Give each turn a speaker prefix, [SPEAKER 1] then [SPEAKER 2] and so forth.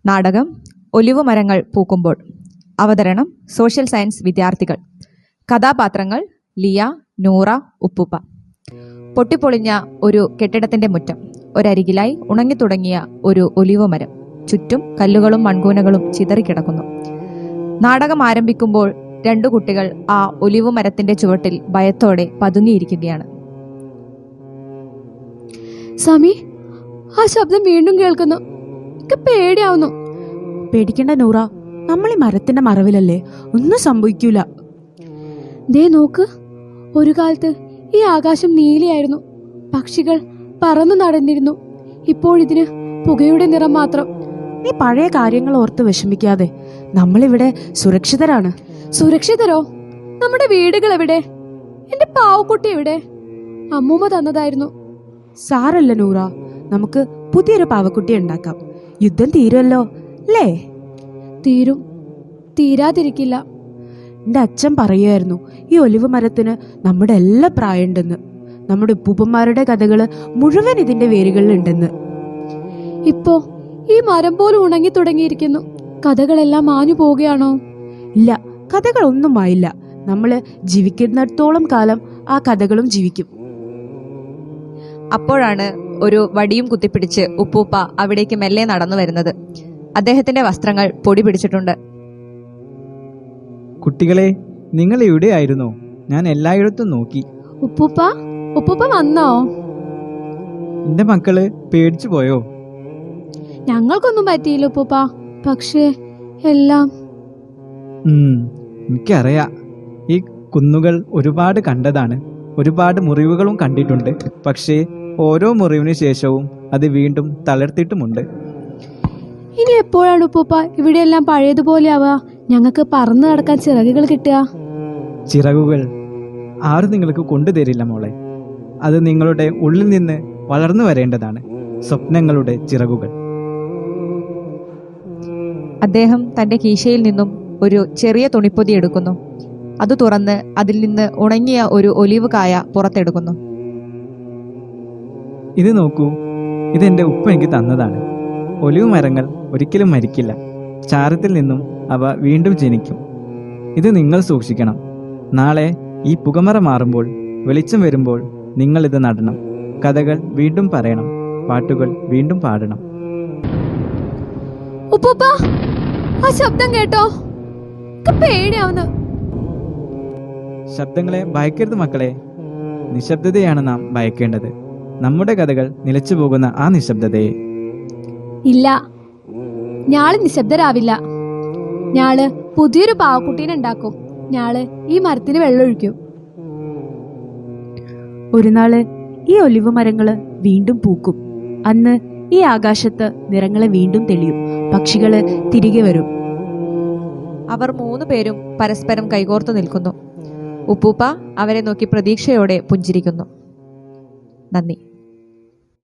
[SPEAKER 1] നാടകം ഒലിവ് മരങ്ങൾ പൂക്കുമ്പോൾ. അവതരണം സോഷ്യൽ സയൻസ് വിദ്യാർത്ഥികൾ. കഥാപാത്രങ്ങൾ ലിയ, നൂറ, ഉപ്പൂപ്പ. പൊട്ടിപ്പൊളിഞ്ഞ ഒരു കെട്ടിടത്തിന്റെ മുറ്റം. ഒരരികിലായി ഉണങ്ങിത്തുടങ്ങിയ ഒരു ഒലിവ് മരം. ചുറ്റും കല്ലുകളും മൺകൂനകളും ചിതറിക്കിടക്കുന്നു. നാടകം ആരംഭിക്കുമ്പോൾ രണ്ടു കുട്ടികൾ ആ ഒലിവ് മരത്തിന്റെ ചുവട്ടിൽ ഭയത്തോടെ പതുങ്ങിയിരിക്കുകയാണ്.
[SPEAKER 2] സമി, ആ ശബ്ദം വീണ്ടും കേൾക്കുന്നു. പേടിയാവുന്നു.
[SPEAKER 3] പേടിക്കണ്ട നൂറ, നമ്മൾ ഈ മരത്തിന്റെ മറവിലല്ലേ, ഒന്നും സംഭവിക്കൂല.
[SPEAKER 2] ദേ നോക്ക്, ഒരു കാലത്ത് ഈ ആകാശം നീലയായിരുന്നു. പക്ഷികൾ പറന്നു നടന്നിരുന്നു. ഇപ്പോഴിതിന് പുകയുടെ നിറം മാത്രം.
[SPEAKER 3] നീ പഴയ കാര്യങ്ങൾ ഓർത്ത് വിഷമിക്കാതെ, നമ്മളിവിടെ സുരക്ഷിതരാണ്.
[SPEAKER 2] സുരക്ഷിതരോ? നമ്മുടെ വീടുകൾ എവിടെ? എന്റെ പാവക്കുട്ടി എവിടെ? അമ്മൂമ്മ തന്നതായിരുന്നു.
[SPEAKER 3] സാരല്ല നൂറ, നമുക്ക് പുതിയൊരു പാവക്കുട്ടി ഉണ്ടാക്കാം. യുദ്ധം തീരുമല്ലോ അല്ലേ?
[SPEAKER 2] തീരും, തീരാതിരിക്കില്ല.
[SPEAKER 3] എന്റെ അച്ഛൻ പറയുമായിരുന്നു, ഈ ഒലിവ് മരത്തിന് നമ്മുടെ എല്ലാ പ്രായമുണ്ടെന്ന്. നമ്മുടെ ഉപ്പൂപ്പന്മാരുടെ കഥകള് മുഴുവൻ ഇതിന്റെ വേരുകളിലുണ്ടെന്ന്.
[SPEAKER 2] ഇപ്പോ ഈ മരം പോലും ഉണങ്ങി തുടങ്ങിയിരിക്കുന്നു. കഥകളെല്ലാം മാഞ്ഞു പോവുകയാണോ?
[SPEAKER 3] ഇല്ല, കഥകളൊന്നും ആയില്ല. നമ്മള് ജീവിക്കുന്നിടത്തോളം കാലം ആ കഥകളും ജീവിക്കും.
[SPEAKER 1] അപ്പോഴാണ് ഒരു വടിയും കുത്തിപ്പിടിച്ച് ഉപ്പൂപ്പ അവിടേക്ക് മെല്ലെ നടന്നു വരുന്നത്. അദ്ദേഹത്തിന്റെ വസ്ത്രങ്ങൾ പൊടി പിടിച്ചിട്ടുണ്ട്.
[SPEAKER 4] കുട്ടികളെ, നിങ്ങൾ എവിടെയായിരുന്നോ? ഞാൻ എല്ലായിടത്തും നോക്കി.
[SPEAKER 2] ഉപ്പൂപ്പ, ഉപ്പൂപ്പ വന്നോ?
[SPEAKER 4] എന്റെ മക്കള് പേടിച്ചു പോയോ?
[SPEAKER 2] ഞങ്ങൾക്കൊന്നും പറ്റിയില്ല ഉപ്പൂപ്പ. പക്ഷേ എല്ലാം
[SPEAKER 4] എനിക്കറിയാം. ഈ കുന്നുകൾ ഒരുപാട് കണ്ടതാണ്. ഒരുപാട് മുറിവുകളും കണ്ടിട്ടുണ്ട്. പക്ഷേ ഓരോ മുറിവിന് ശേഷവും അത് വീണ്ടും തളർത്തിട്ടുമുണ്ട്.
[SPEAKER 2] ഇനി എപ്പോഴാണ് ഉപ്പൂപ്പ ഇവിടെയെല്ലാം പഴയതുപോലെ ആവുക? ഞങ്ങൾക്ക് പറന്നു നടക്കാൻ ചിറകുകൾ കിട്ടുക.
[SPEAKER 4] ചിറകുകൾ ആരും നിങ്ങൾക്ക് കൊണ്ടുതരില്ല മോളെ. അത് നിങ്ങളുടെ ഉള്ളിൽ നിന്ന് വളർന്നു വരേണ്ടതാണ്. സ്വപ്നങ്ങളുടെ ചിറകുകൾ.
[SPEAKER 1] അദ്ദേഹം തന്റെ കീശയിൽ നിന്നും ഒരു ചെറിയ തുണിപ്പൊതി എടുക്കുന്നു. അത് തുറന്ന് അതിൽ നിന്ന് ഉണങ്ങിയ ഒരു ഒലിവ് കായ പുറത്തെടുക്കുന്നു.
[SPEAKER 4] ഇത് നോക്കൂ, ഇതെന്റെ ഉപ്പ എനിക്ക് തന്നതാണ്. ഒലിവ് മരങ്ങൾ ഒരിക്കലും മരിക്കില്ല. ചാരത്തിൽ നിന്നും അവ വീണ്ടും ജനിക്കും. ഇത് നിങ്ങൾ സൂക്ഷിക്കണം. നാളെ ഈ പുകമറ മാറുമ്പോൾ, വെളിച്ചം വരുമ്പോൾ നിങ്ങൾ ഇത് നടണം. കഥകൾ വീണ്ടും പറയണം. പാട്ടുകൾ വീണ്ടും പാടണം.
[SPEAKER 2] ഉപ്പൂപ്പ, ആ ശബ്ദം കേട്ടോ? പേടിയാവുന്നു.
[SPEAKER 4] ശബ്ദങ്ങളെ ഭയക്കരുത് മക്കളെ. നിശബ്ദതയാണ് നാം ഭയക്കേണ്ടത്. നമ്മുടെ കഥകൾ നിലച്ചു പോകുന്ന ആ നിശബ്ദതയെ.
[SPEAKER 2] ഇല്ല, ഞാള് നിശബ്ദരാവില്ല. ഞാള് പുതിയൊരു പാവക്കുട്ടീനെ ഉണ്ടാക്കും. ഞാള് ഈ മരത്തിന് വെള്ളമൊഴിക്കും.
[SPEAKER 3] ഒരു നാള് ഈ ഒലിവ് മരങ്ങള് വീണ്ടും പൂക്കും. അന്ന് ഈ ആകാശത്ത് നിറങ്ങളെ വീണ്ടും തെളിയും. പക്ഷികള് തിരികെ വരും.
[SPEAKER 1] അവർ 3 പേരും പരസ്പരം കൈകോർത്തു നിൽക്കുന്നു. ഉപ്പൂപ്പ അവരെ നോക്കി പ്രതീക്ഷയോടെ പുഞ്ചിരിക്കുന്നു. നന്ദി.